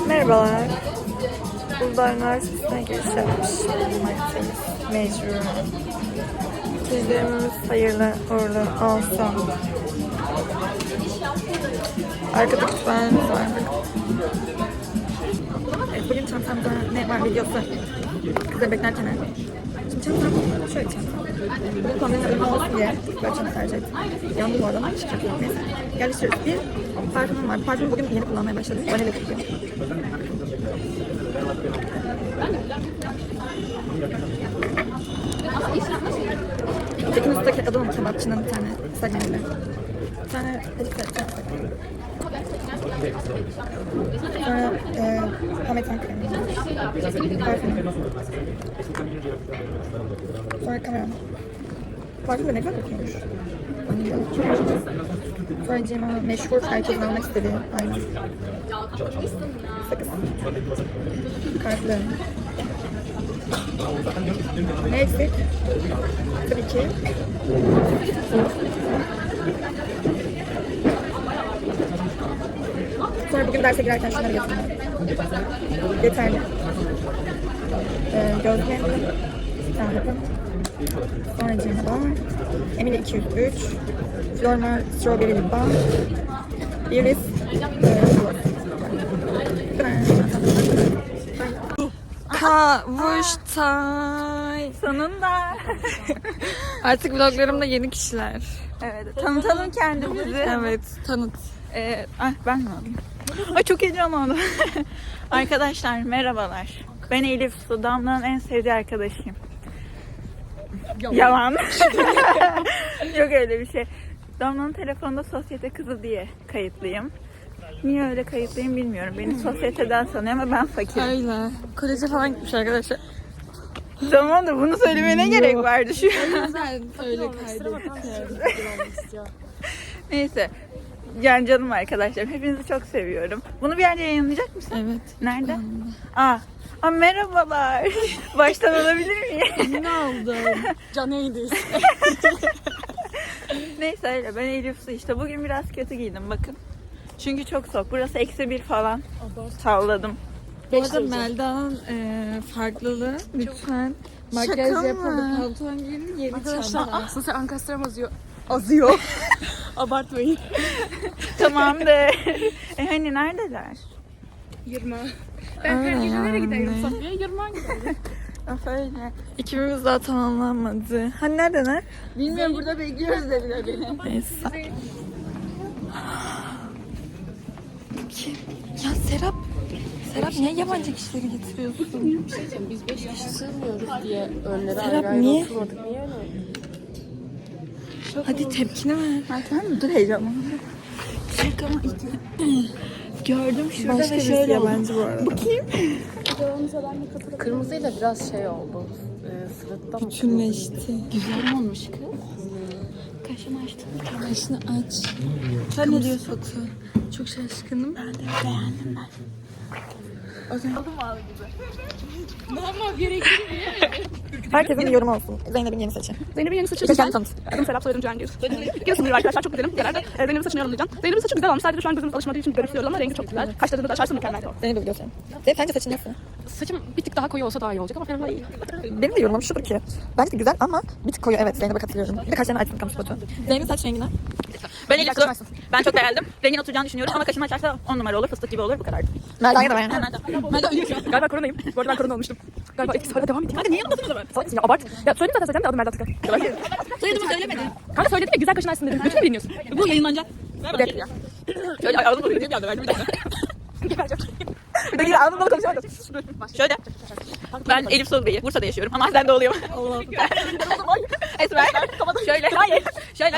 Merhabalar. Uludağ Üniversitesi'ne giriş yapmış bulunmaktayız. Mecbur. İkizlerimiz hayırlı uğurlu olsun. Arkada kütüphanemiz var. Evet, bugün çantamda ne var videosu. Kızları beklerken. Şimdi çantam şöyle çantam. Bu kombinin uygun olsun diye böyle çanta tercih ettim. Yandım bu arada. Neyse. Yerleştiriyoruz. Bir parfümüm var. Parfümü bugün yeni kullanmaya başladım. Vanilya kokuyor. Tekin Usta'daki adı mı kebapçının bir tane segmentinde. Bir tane edikler. Sonra Hametan kremi. Parfüm. Sonra kamera. Parfüm de ne kadar kokuyormuş. Sonra Cima meşhur herkesin almak istediği ayna. Sakız. Kartlı. Ne eksik? Tabii ki. Sonra bugün derse girerken şunları getirdim. Yeterli. Gözlem. Tahapım. Sonra Cima. Emine 203. Flormar Strawberry Lip Balm. Iris. Kavuştay. Sonunda. Artık vloglarımda yeni kişiler. Evet. Tanıtalım kendimizi. Evet, tanıt. Ben mi alayım? Ay çok heyecanlandım. Arkadaşlar merhabalar. Ben Elif Su, Damla'nın en sevdiği arkadaşıyım. Yalan. Yok öyle bir şey. Damla'nın telefonunda sosyete kızı diye kayıtlıyım. Niye öyle kayıtlıyım bilmiyorum. Beni sosyeteden sanıyor ama ben fakirim. Öyle. Koleje falan gitmiş arkadaşlar. Tamam da bunu söylemeye ne gerek vardı şu an? Güzel öyle kaydettim. Neyse. Yani canım arkadaşlarım. Hepinizi çok seviyorum. Bunu bir yerde yayınlayacak mısın? Evet. Nerede? Merhabalar. Baştan alabilir miyim? Ne oldu? Canıydı. Neyse öyle. Ben Elif Su işte. Bugün biraz kötü giydim bakın. Çünkü çok soğuk. Burası -1 falan. Salladım. Bu arada Melda'nın farklılığı lütfen. Makyaj yapalım, pantolon giyin, yeni çanta. Aslında sen ankastram Azıyor. abartmayın. Tamamdır. Hani neredeler? Yırma. Ben her gece nereye giderim Safiye? Yırma giderim. Öyle. Ekibimiz daha tamamlanmadı. Hani neredeler? Bilmiyorum burada bekliyoruz dediler beni. Neyse. Kim? Ya Serap niye yabancı kişileri getiriyorsun? Biz 5 kişi sığmıyoruz diye önlere Serap, ayrı niye? oturmadık. Niye öyle? Hadi tepkini ver. Tamam mı? Dur heyecanlandım. Şaka gördüm şurada Başka ve birisi şöyle oldu. yabancı bu arada. Bakayım. Kırmızıyla biraz şey oldu. Sırıttan mı? Bütünleşti. Güzel olmuş kız. Kaşını açtım. Kaşını aç. Sen ne diyorsun? Foto. Çok şaşkınım. Ben de beğendim ben. Herkesin bir yorumu olsun. Zeynep'in yeni saçı. Zeynep'in yeni saçı Bir de güzel. kendi tanıt. Adım Serap, soyadım Cengiz. Giresunluyum arkadaşlar, çok güzelim. Genelde Zeynep'in saçını yorumlayacağım. Zeynep'in saçı güzel olmuş. Sadece şu an gözümüz alışmadığı için garipsiyoruz ama rengi çok güzel. Kaşlarını da açarsan mükemmel. Zeynep'e bir göstereyim. Zeynep sence saçın nasıl? Saçım bir tık daha koyu olsa daha iyi olacak ama fena değil. Benim de yorumum şudur ki. Bence güzel ama bir tık koyu. Evet, Zeynep'e katılıyorum. Bir de kaşlarını açsın kamu spotu. Zeynep'in saç rengine. Ben Elif Su. Ben çok beğendim. Rengin oturacağını düşünüyorum ama kaşını açarsa 10 numara olur. Fıstık gibi olur. Bu kadar. Melda'ya da beğendim. Melda ölüyor şu an. Galiba koronayım. Bu arada ben korona olmuştum. Galiba etkisi hala devam ediyor. Kanka niye yanımdasın o zaman? Salak ya abart. Ya söyledim zaten söyleyeceğim de adım Melda Tıkan. Soyadımı söylemedin. Kanka söyledim ya güzel kaşın açsın dedim. Bütün mü bilmiyorsun? Bu yayınlanacak. Bu da ya. Şöyle ağzım dolu bir geldi. Bir dakika ağzım dolu konuşamadım. Şöyle. Ben Elif Su Bey'i. Bursa'da yaşıyorum ama aslen doğuluyum. Allah'ım. Esmer. Şöyle. Hayır. Şöyle.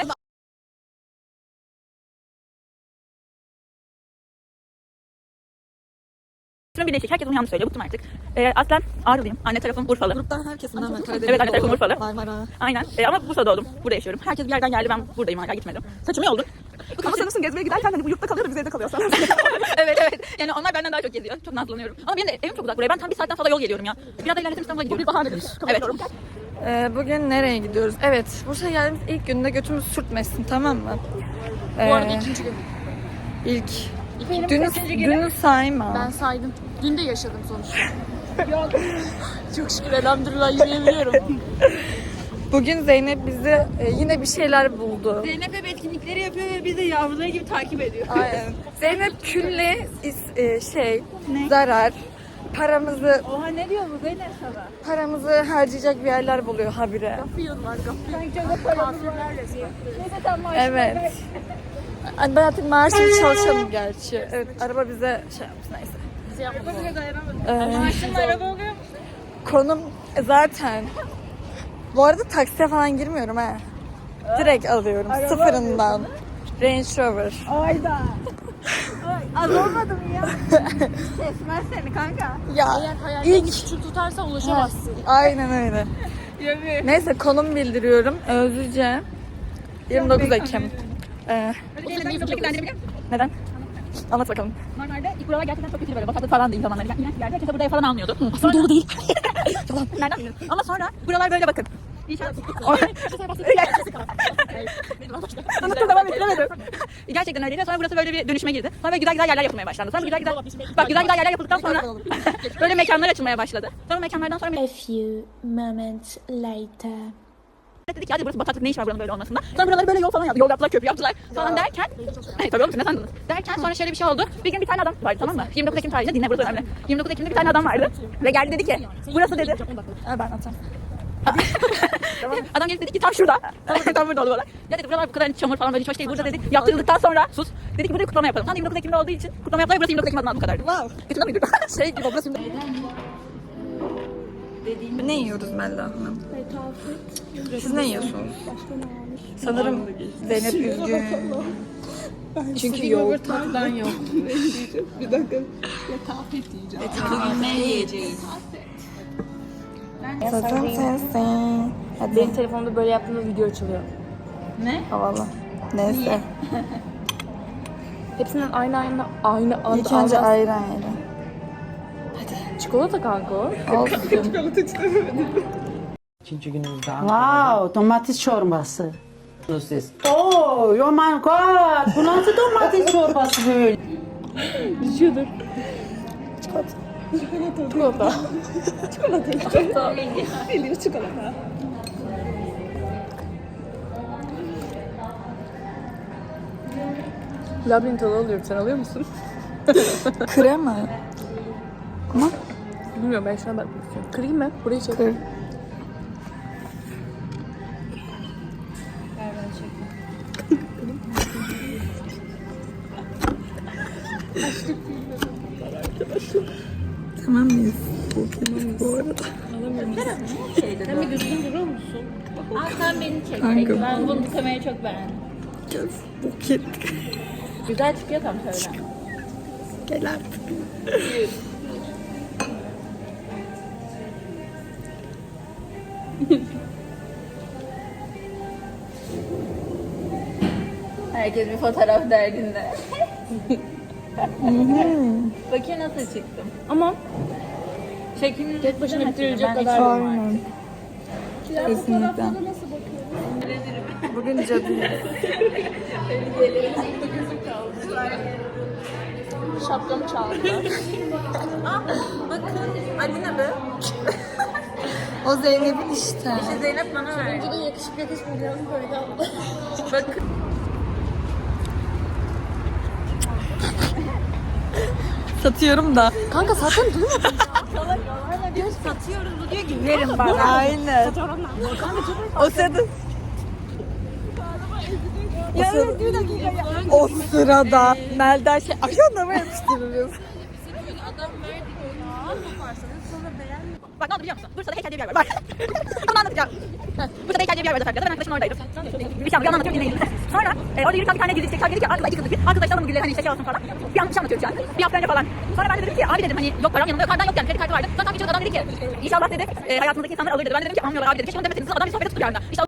Birleşik. Herkes bunu yanlış söylüyor. Bıktım artık. Aslen Ağrılıyım. Anne tarafım Urfalı. Gruptan herkesin hemen Karadeniz. Evet, anne tarafım Urfalı. Marmara. Aynen. Ama Bursa'da doğdum. Burada yaşıyorum. Herkes bir yerden geldi. Ben buradayım hala gitmedim. Saçımı yoldum. Ama sanırsın gezmeye giderken hani bu yurtta kalıyor da biz evde kalıyoruz. Evet. Yani onlar benden daha çok geziyor. Çok nazlanıyorum. Ama benim de evim çok uzak buraya. Ben tam bir saatten fazla yol geliyorum ya. Biraz da ilerletim İstanbul'a gidiyorum. Bir bahanedir. Evet. Bugün nereye gidiyoruz? Evet, Bursa'ya geldiğimiz ilk günde götümüz sürtmesin, tamam mı? Bu arada ikinci gün. İlk Benim Dünü sayma. Ben saydım. Dün de yaşadım sonuçta. Yok. Çok şükür elhamdülillah yürüyebiliyorum. Bugün Zeynep bizi yine bir şeyler buldu. Zeynep hep etkinlikleri yapıyor ve biz de yavruları gibi takip ediyor. Aynen. Zeynep külle zarar. Paramızı Oha ne diyor bu Zeynep sana? paramızı harcayacak bir yerler buluyor habire. Gafiyon var Kafirlerle Evet. Ay, ben artık maaşlı çalışalım gerçi. Evet, araba bize şey yapmış neyse. bize yapmadı. Ee, Araba oluyor. konum zaten. Bu arada taksiye falan girmiyorum ha. Direkt alıyorum sıfırından. Range Rover. Ayda. Az olmadı mı ya? Kesmez seni kanka. Ya Eğer hayalini ilk küçük tutarsan ulaşamazsın. aynen öyle. Neyse konum bildiriyorum. Özlüce. 29 Ekim. Neden? Anlat bakalım. Normalde ilk buralar gerçekten çok kötü böyle bataklık falan değil zamanları. Yani iğrenç bir yerde kimse burada ev falan almıyordu. Aslında dolu değil. Yalan. Nereden biliyorsun? Ama sonra buralar böyle bakın. İnşaat. Anlatım devam ettiremedim. Gerçekten öyleydi. Sonra burası böyle bir dönüşüme girdi. Sonra böyle güzel güzel yerler yapılmaya başlandı. Sonra güzel güzel yerler yapıldıktan sonra böyle mekanlar açılmaya başladı. Sonra mekanlardan sonra A few moments later. dedik ki hadi burası bataklık ne iş var buranın böyle olmasında. Sonra buraları böyle yol falan yaptılar. Yol yaptılar, köprü yaptılar falan derken tabii oğlum siz ne sandınız? Derken sonra şöyle bir şey oldu. Bir gün bir tane adam vardı tamam mı? 29 Ekim tarihinde dinle burası önemli. 29 Ekim'de bir tane adam vardı. Ve geldi dedi ki burası dedi. Ha, ben atacağım. Adam gelip dedi ki tam şurada. Tam burada oldu bana. Ya dedi buralar bu kadar çamur falan böyle hiç hoş değil. Burada dedi yaptırıldıktan sonra sus. Dedi ki burada kutlama yapalım. Tam 29 Ekim'de olduğu için kutlama yaptılar. Burası 29 Ekim adına bu kadardı. Wow. Kötü muydu? Şey gibi burası Ne yiyoruz Melda Hanım? Siz ne yiyorsunuz? Sanırım Zeynep üzgün. Çünkü yoğurt. Tatlıdan yok. Zaten sensin. Hadi. Benim telefonumda böyle yaptığımda video açılıyor. Havalı. Neyse. Hepsinden aynı anda İlk önce ayran yiyelim. çikolata kanka o. Olsun. İkinci günümüzde Wow, domates çorbası. Siz. Oh, oh my god. Bu nasıl domates çorbası böyle? Labirent tadı alıyorum. Sen alıyor musun? Krema. Bilmiyorum ben şu an bakmak istiyorum. Kırayım mı? Burayı çek. Kır. Tamam mıyız? Bu arada. Sen bir düzgün durur musun? Aa sen beni çek. Kanka. Ben bu kamerayı çok beğendim. Buket. Güzel çıkıyor tam şöyle. Gel artık. Herkes bir fotoğraf derdinde. Bakayım nasıl çıktım. Ama Şeklini tek başına bitirilecek Ben kadar Aynen. Kesinlikle. Bugün cadıyız. şapkamı çaldı. Bakın. Adı ne be? O Zeynep'in işte. Zeynep bana verdi. Bir de yakışık yakışmayacağını böyle aldı. Bakın. Satıyorum da. Kanka zaten değil mi? Satıyoruz bu diyor ki verin bana. Aynen. O sırada. O sırada Melda şey ayağına yapıştırırız. Bak ne oldu biliyor musun? Bursa'da heykel diye bir yer var. Bak. Bunu anlatacağım. Bursa'da heykel diye bir yer var zaten. Ben arkadaşım oradaydım. Bir şey anlatıyorum dinleyin. Sonra orada yürürken bir tane gizli çeker dedi ki arkadaş iki kızdı. Arkadaş alın bu gülleri hani işte şey olsun falan. Bir yanlış anlatıyorum şu an. Bir hafta önce falan. Sonra ben de dedim ki abi dedim hani yok param yanımda yok. Harbiden yok yani kredi kartı vardı. Sonra tam geçiyordu adam dedi ki inşallah dedi hayatınızdaki insanlar alır dedi. Ben de dedim ki almıyorlar abi dedi. Keşke onu demeseydiniz. Adam bir sohbete tuttu bir anda. İşte